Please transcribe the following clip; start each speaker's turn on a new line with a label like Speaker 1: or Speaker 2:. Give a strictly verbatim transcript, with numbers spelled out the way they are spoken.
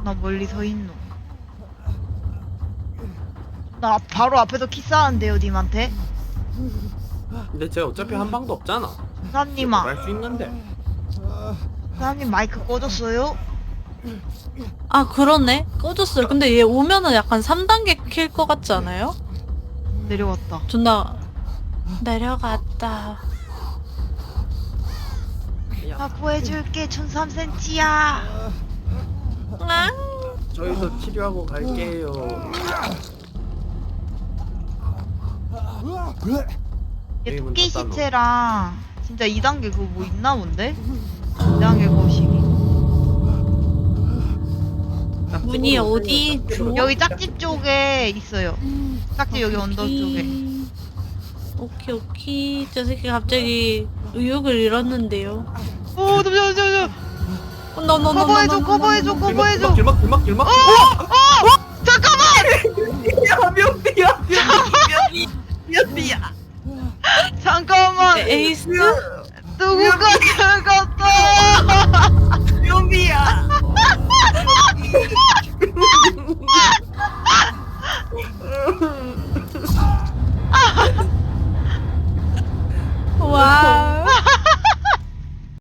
Speaker 1: 나 멀리 서 있노. 나 바로 앞에서 키스하는데요, 님한테.
Speaker 2: 근데 쟤 어차피 한 방도 없잖아.
Speaker 1: 사장님아,
Speaker 2: 할수 있는데.
Speaker 1: 사장님 마이크 꺼졌어요?
Speaker 3: 아 그러네. 꺼졌어요. 근데 얘 오면은 약간 삼 단계 킬 것 같지 않아요?
Speaker 1: 내려왔다.
Speaker 3: 존나 내려갔다.
Speaker 1: 나 구해줄게. 천삼 센티미터야.
Speaker 3: 아,
Speaker 2: 저희도 치료하고 갈게요.
Speaker 1: 얘
Speaker 2: 게임은
Speaker 1: 토끼
Speaker 2: 다 따로.
Speaker 1: 시체랑 진짜 이 단계 그거 뭐 있나 본데? 이 단계 거시기.
Speaker 3: 문이 어디 있죠?
Speaker 1: 여기 짝집 쪽에 있어요. 짝집 여기 언덕 쪽에.
Speaker 3: 오케이 오케이. 저 새끼 갑자기 의욕을 잃었는데요.
Speaker 1: 오, 잠시만, 잠시만.
Speaker 3: 어, 너, 너, 너,
Speaker 1: 커버해줘,
Speaker 3: 너, 너,
Speaker 1: 커버해줘,
Speaker 3: 너, 너,
Speaker 1: 커버해줘.
Speaker 2: 길막 길막 길막.
Speaker 1: 어! 어! 잠깐만!
Speaker 2: 야 명비야 명비 명비야.
Speaker 1: 잠깐만.
Speaker 3: 너. 에이스?
Speaker 1: 누구가